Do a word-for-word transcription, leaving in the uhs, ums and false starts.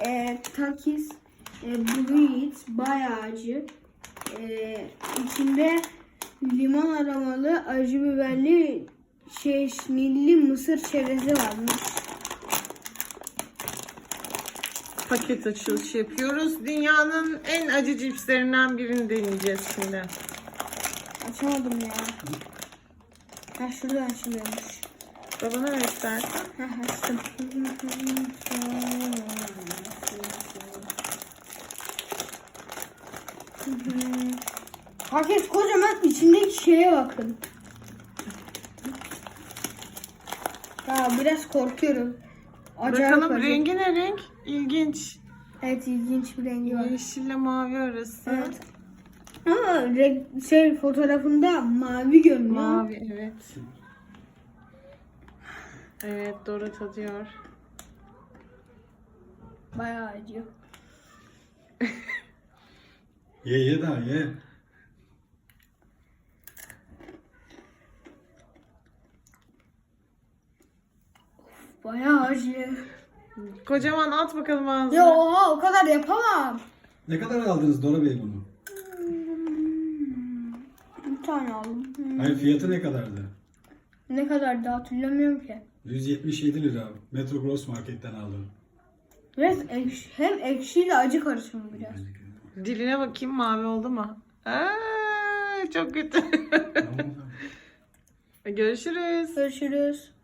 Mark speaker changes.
Speaker 1: e, Takis e, Bruit bayağı acı. E, içinde limon aromalı, acı biberli, şeşnilli mısır çerezi varmış.
Speaker 2: Paket açılışı yapıyoruz. Dünyanın en acı cipslerinden birini deneyeceğiz şimdi.
Speaker 1: Açamadım ya. Ha şuradan açılıyormuş.
Speaker 2: Babana ver istersen.
Speaker 1: Ha açtım. Paket kocaman, içindeki şeye bakın. Ya biraz korkuyorum. Acayip
Speaker 2: Bakalım
Speaker 1: acı.
Speaker 2: rengi ne renk? İlginç.
Speaker 1: Evet, ilginç bir rengi var.
Speaker 2: Yeşille mavi arası.
Speaker 1: Evet. Ama renk, şey fotoğrafında mavi görünüyor.
Speaker 2: Mavi evet. Evet Dora tadıyor.
Speaker 1: Bayağı acı.
Speaker 3: Ye ye daha ye.
Speaker 1: Bayağı acı.
Speaker 2: Kocaman at bakalım ağzına.
Speaker 1: Ya oha, o kadar yapamam.
Speaker 3: Ne kadar aldınız Dora Bey bunu?
Speaker 1: Bir tane aldım. Hmm.
Speaker 3: Hayır, fiyatı ne kadardı?
Speaker 1: Ne kadar da hatırlamıyorum ki.
Speaker 3: yüz yetmiş yedi lira. Metro Gross Market'ten aldım.
Speaker 1: Biraz ekşi, hem ekşiyle acı karışımı biraz.
Speaker 2: Diline bakayım mavi oldu mu? Aa, çok kötü.
Speaker 3: Tamam, tamam.
Speaker 2: Görüşürüz.
Speaker 1: Görüşürüz.